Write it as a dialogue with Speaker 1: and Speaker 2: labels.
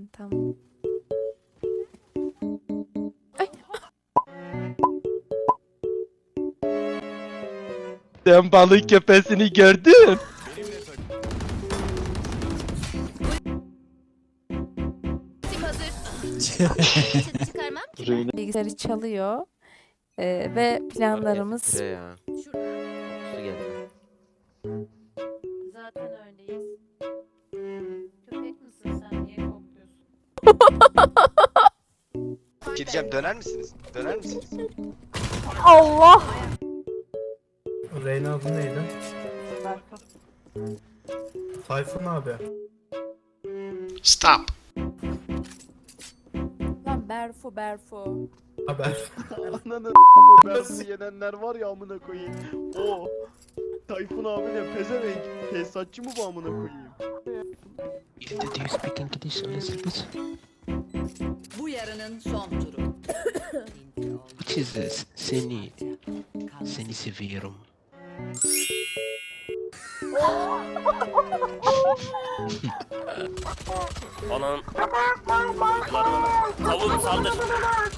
Speaker 1: Aynen tamam. Ay.
Speaker 2: Sen balık köpesini gördün.
Speaker 3: Çıkarmam ki.
Speaker 1: Bilgisayarı çalıyor. Ve planlarımız...
Speaker 4: Buraya ya. Su geldi.
Speaker 3: Zaten öyleyiz. Köpek misin sen? Niye kokluyorsun?
Speaker 5: Gideceğim, döner misiniz? Döner misiniz?
Speaker 1: Allah!
Speaker 6: Reyna adı neydi? Tayfun abi.
Speaker 5: Stop.
Speaker 1: Lan Berfu.
Speaker 6: Haber.
Speaker 2: Ananı ben yenenler var ya amına koyayım. O Tayfun abi ne pezevenk. Tesisatçı mı bu amına koyayım?
Speaker 4: Do you speak English a little bit?
Speaker 7: Bu yarının son turu.
Speaker 4: Which is this? Seni seviyorum.
Speaker 8: Onun... Kavun saldır.